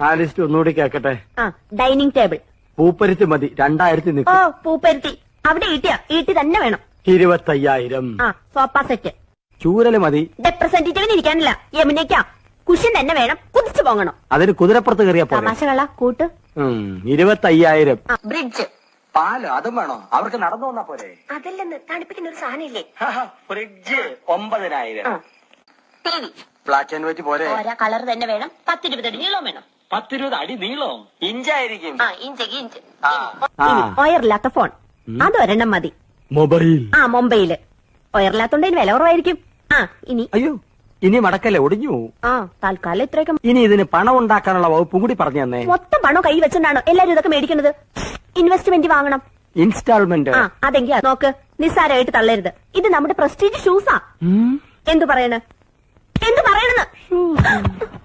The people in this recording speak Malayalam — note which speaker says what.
Speaker 1: ആ ലിസ്റ്റ് ഒന്നുകൂടി കേക്കട്ടെ.
Speaker 2: ഡൈനിങ് ടേബിൾ
Speaker 1: പൂപ്പരുത്തി മതി, 2000
Speaker 2: ഓ പൂപ്പരുത്തി അവിടെ ഈട്ടി തന്നെ വേണം.
Speaker 1: 25,000.
Speaker 2: Sofa set.
Speaker 1: ചൂരല് മതി.
Speaker 2: റെപ്രസെന്റേറ്റീവിന് ഇരിക്കാനില്ല, യമുനയ്ക്കാ. കുഷൻ തന്നെ വേണം, കുതിച്ചു പോകണം.
Speaker 1: അതിന് കുതിരപ്പുറത്ത് കയറിയ
Speaker 2: തമാശകള കൂട്ട്.
Speaker 1: 25,000.
Speaker 2: ബ്രിഡ്ജ്.
Speaker 1: പാല് അതും വേണോ? അവർക്ക് നടന്നു വന്നാ പോരെ?
Speaker 2: അതല്ലെന്ന് തണുപ്പിക്കുന്ന ഒരു സാധനം ഇല്ലേ?
Speaker 1: Fridge 9,000.
Speaker 2: TV.
Speaker 1: Black and white പോരെ?
Speaker 2: കളർ തന്നെ വേണം. 10-20 അടി നീളം വേണം.
Speaker 1: 10-20 അടി നീളം? ഇഞ്ചായിരിക്കും.
Speaker 2: ഇഞ്ച്. ഒയറില്ലാത്ത ഫോൺ അതൊരെണ്ണം മതി.
Speaker 1: മൊബൈൽ.
Speaker 2: മൊബൈല് ഒയറില്ലാത്തോണ്ട് വില കുറവായിരിക്കും. ഇനി
Speaker 1: അയ്യോ, ഇനി മടക്കല്ലേ, ഒടിഞ്ഞു.
Speaker 2: തൽക്കാലം ഇത്രയൊക്കെ.
Speaker 1: ഇനി ഇതിന് പണം ഉണ്ടാക്കാനുള്ള വകുപ്പും കൂടി പറഞ്ഞു തന്നെ.
Speaker 2: മൊത്തം പണം കൈ വെച്ചോണ്ടാണോ എല്ലാരും ഇതൊക്കെ മേടിക്കുന്നത്? ഇൻവെസ്റ്റ്മെന്റ് വാങ്ങണം.
Speaker 1: ഇൻസ്റ്റാൾമെന്റ്.
Speaker 2: അതെങ്കിൽ നോക്ക്, നിസ്സാരമായിട്ട് തള്ളരുത്. ഇത് നമ്മുടെ പ്രസ്റ്റീജ് ഷൂസാ. എന്തു പറയണെന്ന്